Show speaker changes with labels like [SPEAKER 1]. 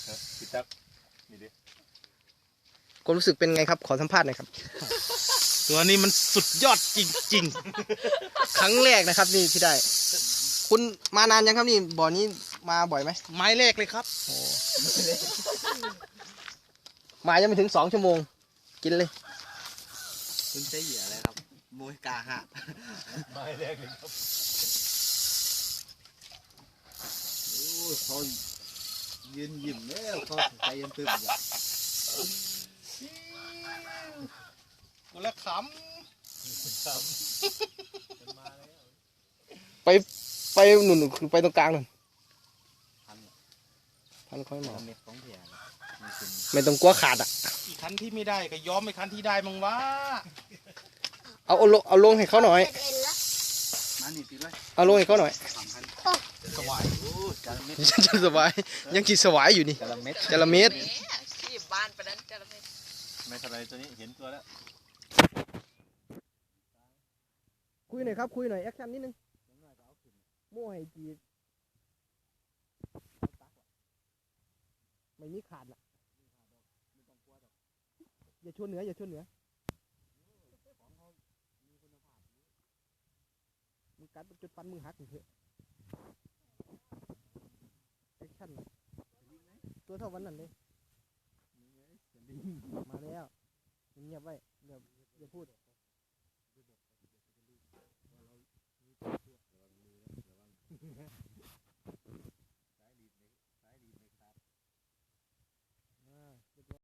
[SPEAKER 1] พี่ตั๊กนี่ดิ
[SPEAKER 2] ความรู้สึกเป็นไงครับขอสัมภาษณ์หน่อยครับ
[SPEAKER 3] ตัวนี้มันสุดยอดจริง
[SPEAKER 2] ครั้งแรกนะครับนี่ที่ได้ คุณมานานยังครับนี่บ่อนี้มาบ่อยไหม
[SPEAKER 3] ๆ ไม้แรกเลยครับ
[SPEAKER 2] มายังไม่ถึง2 ชั่วโมงกินเลย
[SPEAKER 4] คุณใช้เหยื่ออะไรครับมวยกาหะ
[SPEAKER 1] ไม้แรกเลยครับ
[SPEAKER 4] โอ้เขายืนยิ้มแล้วเขาใจเย็นตึมอยู่
[SPEAKER 3] คนละข
[SPEAKER 2] ไปหนุนไปตรงกลางหนุนพันค่อยหมอ
[SPEAKER 4] เม็ดของเถี่ยนะมีคุณ
[SPEAKER 2] ไม่ต้องกลัวขาดอ่ะ
[SPEAKER 3] ำอีกคันที่ไม่ได้ก็ยอมไปคันที่ได้มั้งวะ
[SPEAKER 2] เอาลงให้เขาหน่อย
[SPEAKER 4] มาหนีตีเลย
[SPEAKER 2] เอาลงให้เขาหน่อย
[SPEAKER 4] สวายโอ้จาระเม็ด
[SPEAKER 2] จะสบายยังกินสวายอยู่นี่
[SPEAKER 4] จาระเม็ด
[SPEAKER 2] จระเม็ด
[SPEAKER 5] ที่บ้านไปนั้นจะไม่
[SPEAKER 1] ไม่เท่าไรตัวนี้เห็นตัวแล้ว
[SPEAKER 2] คุยหน่อยครับคุยหน่อยแอคชั่นนิดนึงโม่ให้จีไม่มีขาดละอย่าชวนเหนืออย่าชวนเหนือมึงกัดจุดฟันมึงหักเถอะแอคชั่นตัวเท่าวันนั้นเลยมาแล้วเงียบไว้อย่าพูด